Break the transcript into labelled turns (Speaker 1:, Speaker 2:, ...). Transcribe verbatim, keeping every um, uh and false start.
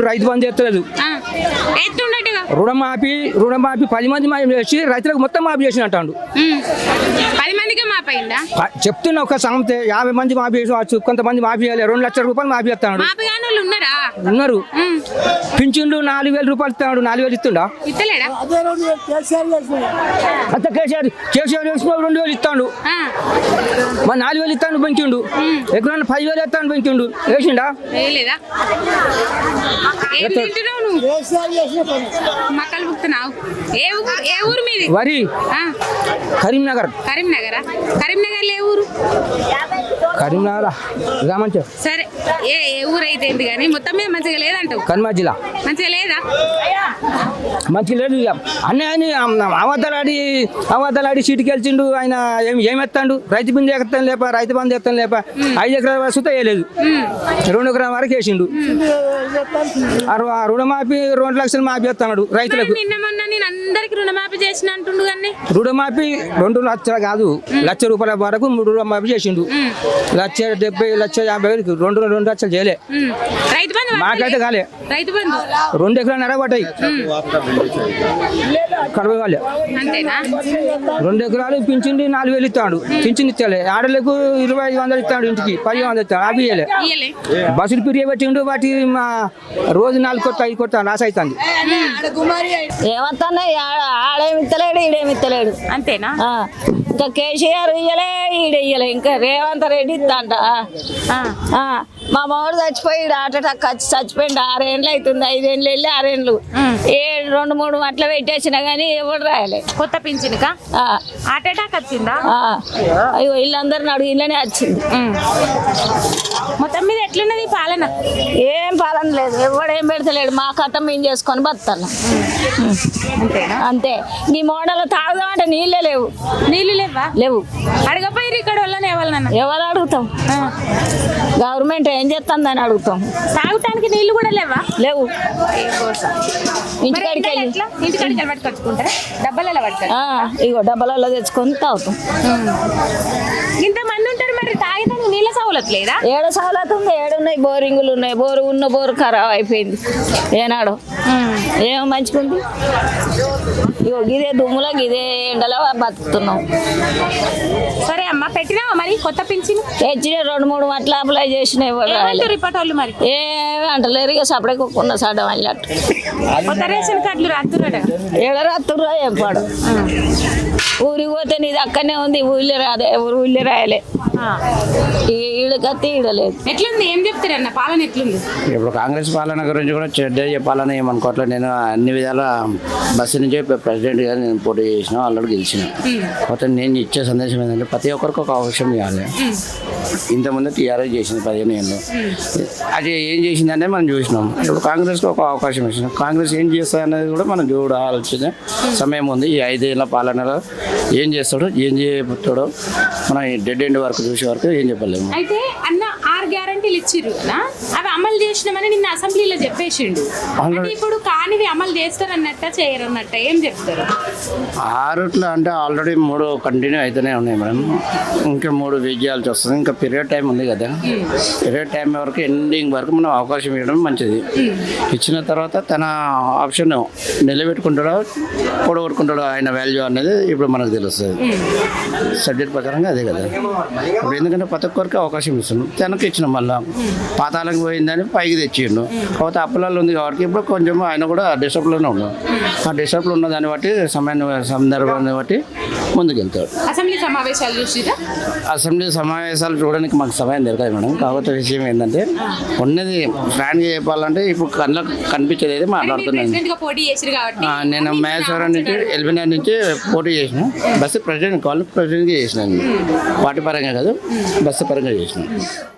Speaker 1: రైతు బంధు ఎత్తలేదు. రుణమాఫీ రుణమాఫీ పది మంది మాఫీ చేసి రైతులకు మొత్తం మాఫీ చేసిన అంటాడు.
Speaker 2: పది మందికి మాపైందా
Speaker 1: చెప్తున్నా ఒక సంస్థ యాభై మంది మాఫీ చేసి కొంతమంది మాఫీ చేయాలి. రెండు లక్షల రూపాయలు మాఫీ చేస్తాడు. ఉన్నారు. పింఛన్లు నాలుగు వేల రూపాయలు ఇస్తున్నాడు. నాలుగు వేలు ఇస్తుండా అంత కేసీఆర్ కేసీఆర్ వేసిన రెండు వేలు ఇస్తాడు. మరి నాలుగు వేలు ఇస్తాను పెంచిండు. ఎక్కడన్నా పది వేలు ఇస్తాను పెంచిండు. వేసిండా వరి కరీంనగర్
Speaker 2: కరీంనగర్ కరీంనగర్ ఏ ఊరు
Speaker 1: కరీంనగర్ రామంచ
Speaker 2: సరే ఏ ఏ ఊరు అయితే ఏంటి కానీ మొత్తం మీద మంచిగా లేదంటావు.
Speaker 1: కన్మా జిల్లా
Speaker 2: మంచిగా లేదా
Speaker 1: మంచిగా లేదు. అన్నయ్య అవతలాడి అవతలాడి సీటుకి వెళ్చిండు. ఆయన ఏమి ఏమెత్తాడు. రైతు బంధు ఎత్తాను లేప రైతు బంధు ఎత్తాను లేప ఐదు ఎకరాల వరకు సుత వేయలేదు. రెండు ఎకరాల వరకు వేసిండు. రుణమాఫీ రెండు లక్షలు మాఫీ ఎత్తాడు రైతులకు.
Speaker 2: నిన్న మొన్న నేను అందరికి రుణమాఫీ చేసిన అంటుండు కానీ
Speaker 1: రుణమాఫీ రెండు లక్షలు కాదు లక్ష రూపాయల వరకు మూడు రుణమాఫీ చేసిండు. లక్ష డెబ్బై లక్ష యాభై వేలు రెండు రెండు లక్షలు చేయలే.
Speaker 2: రైతు బంధు
Speaker 1: మాకైతే కాలే.
Speaker 2: రైతు బంధు
Speaker 1: రెండు ఎకరాలు నడబడ్డాయి. కడవ కాలే.
Speaker 2: అంతేనా
Speaker 1: రెండు ఎకరాలు పింఛన్లు నాలుగు వేలు ఇస్తాడు. పింఛన్ ఇచ్చాలి. ఆడలకు ఇరవై ఐదు వందలు ఇస్తాడు. ఇంటికి పది వందలు ఇస్తాడు. అవి ఇయ్యలే. బస్సులు పిరియ పెట్టిండు. వాటి మా రోజు నాలుగు కొత్త ఐదు కొత్త లాస్ అవుతుంది.
Speaker 3: ఏమన్నా ఆడేమి ఇస్తలేడు ఈడేమి ఇస్తలేడు.
Speaker 2: అంతేనా
Speaker 3: ఇంకా కేసీఆర్ ఇయ్యలే ఈడ ఇయ్యలే. ఇంకా రేవంత్ రెడ్డి ఇద్దంట. మా మామిడి చచ్చిపోయి హార్ట్ అటాక్ వచ్చి చచ్చిపోయింది. ఆరేళ్ళు అవుతుంది. ఐదేళ్ళు వెళ్ళి ఆరేళ్ళు ఏడు రెండు మూడు అట్లా పెట్టేసినా కానీ ఎవరు రాయలే.
Speaker 2: కొత్త పింఛన్కా హార్ట్ అటాక్ వచ్చిందా?
Speaker 3: అయ్యో వీళ్ళందరిని అడుగు ఇళ్ళనే వచ్చింది.
Speaker 2: మొత్తం మీద ఎట్లున్నది పాలన?
Speaker 3: ఏం పాలన లేదు. ఎవడేం పెడతలేడు. మా కట్ట మేము చేసుకొని బతాను అంతే. నీ మోడల్ తాగుదామంటే నీళ్ళే లేవు.
Speaker 2: నీళ్ళు లేవా?
Speaker 3: లేవు.
Speaker 2: అడగపోయి ఇక్కడ వాళ్ళని ఎవరినన్నా
Speaker 3: ఎవరు అడుగుతాం? గవర్నమెంట్ ఏం చేస్తుందని అడుగుతాం.
Speaker 2: తాగటానికి నీళ్లు కూడా లేవా?
Speaker 3: లేవు. ఇంటికాడికి
Speaker 2: ఇంటికాడికి పట్టుకొచ్చుకుంటారా? డబ్బాలలో పట్టుకోవాలి.
Speaker 3: ఇగో డబ్బాలలో తెచ్చుకొని తాగుతాం.
Speaker 2: ఇంతమంది ఉంటారు మరి తాగడానికి నీళ్ళ సౌలత్ లేదా?
Speaker 3: ఏడ సౌలత్ ఉంది. ఏడున్నాయి బోరింగులు ఉన్నాయి. బోరు ఉన్న బోరు ఖరాబ్ అయిపోయింది. ఏనాడు ఏమో మంచిగుంది. ఇగో గిదే దుమ్ములో గిదే ఎండలో బతుకుతున్నాం.
Speaker 2: సరే అమ్మ పెట్టినావా మరి కొత్త పింఛన్?
Speaker 3: తెచ్చిన రెండు మూడు మట్ల అప్లై చేసిన
Speaker 2: రిపోర్టోళ్ళు మరి
Speaker 3: ఏమి అంటలేరు. ఇక సపడకున్న సడం అన్నట్టు
Speaker 2: కొత్త రేషన్ కార్డులు రాత్తురా?
Speaker 3: ఏడ రాత్తురా ఏం పాడు. ఊరికి పోతే నీది అక్కడనే ఉంది. ఊళ్ళో రాదే. ఊరు ఊళ్ళో రాయలే. ఈడకత్తి ఈడలేదు.
Speaker 2: ఎట్లుంది? ఏం చెప్తారన్న పాలన ఎట్లుంది?
Speaker 4: ఇప్పుడు కాంగ్రెస్ పాలన గురించి కూడా చెడ్డ చెప్పాలని ఏమనుకోవట్లేదు. నేను అన్ని విధాల బస్సు నుంచి ప్రెసిడెంట్ గారు నేను పోటీ చేసిన ఆల్రెడీ గెలిచిన. మొత్తం నేను ఇచ్చే సందేశం ఏంటంటే ప్రతి ఒక్కరికి ఒక అవకాశం ఇవ్వాలి. ఇంతకుముందు టీఆర్ఎస్ చేసింది పదిహేను ఏళ్ళు. అది ఏం చేసిందంటే మనం చూసినాం. ఇప్పుడు కాంగ్రెస్కి ఒక అవకాశం ఇచ్చినాం. కాంగ్రెస్ ఏం చేస్తుంది అనేది కూడా మనం చూడాల్సిన సమయం ఉంది. ఈ ఐదేళ్ల పాలనలో ఏం చేస్తాడో ఏం చేయబోతాడో మనం డెడ్ ఎండ్ వరకు చూసే వరకు ఏం చెప్పలేము.
Speaker 2: అయితే అన్న ఆరు గ్యారంటీలు ఇచ్చిర్రు కదా, అవి అమలు చేసినామని నిన్న అసెంబ్లీలో చెప్పేసిండు. ఇప్పుడు కానివి అమలు చేస్తారన్నట్ట చేయరన్నట్ట ఏం చెప్తారు?
Speaker 4: ఆరుట్లో అంటే ఆల్రెడీ మూడు కంటిన్యూ అయితేనే ఉన్నాయి మేడం. ఇంకా మూడు వెయిట్ చేయాల్సి వస్తుంది. ఇంకా పీరియడ్ టైం ఉంది కదా. పీరియడ్ టైం వరకు ఎండింగ్ వరకు మనం అవకాశం ఇవ్వడం మంచిది. ఇచ్చిన తర్వాత తన ఆప్షన్ నిలబెట్టుకుంటాడో పొడగొట్టుకుంటాడో ఆయన వాల్యూ అనేది ఇప్పుడు మనకు తెలుస్తుంది. సబ్జెక్ట్ ప్రకారంగా అదే కదా. ఇప్పుడు ఎందుకంటే ప్రతి ఒక్కరికి అవకాశం ఇస్తున్నాం. తనకు ఇచ్చినాం. మళ్ళీ పాతాలకు పోయిందని పైకి తెచ్చిండు. కాకపోతే అప్పులలో ఉంది కాబట్టి ఇప్పుడు కొంచెం ఆయన కూడా డిస్టర్బ్లోనే ఉన్నాడు. ఆ డిస్టర్బ్లో ఉన్న దాన్ని బట్టి సమయాన్ని సందర్భాన్ని బట్టి ముందుకెళ్తాడు.
Speaker 2: అసెంబ్లీ సమావేశాలు చూసిరా?
Speaker 4: అసెంబ్లీ సమావేశాలు చూడడానికి మాకు సమయం దొరకదు మేడం. కాకపోతే విషయం ఏంటంటే ఉన్నది ఫ్రాంక్గా చెప్పాలంటే ఇప్పుడు కళ్ళకు కనిపించేది అయితే మాట్లాడుతున్నాను. నేను మహేశ్వరం నుంచి ఎల్బీ నుంచి పోటీ చేసిన. బస్సు ప్రెసిడెంట్ కాలేజ్ ప్రెసిడెంట్గా చేసినాను. పార్టీ పరంగా కాదు, బస్సు పరంగా చేసినాను.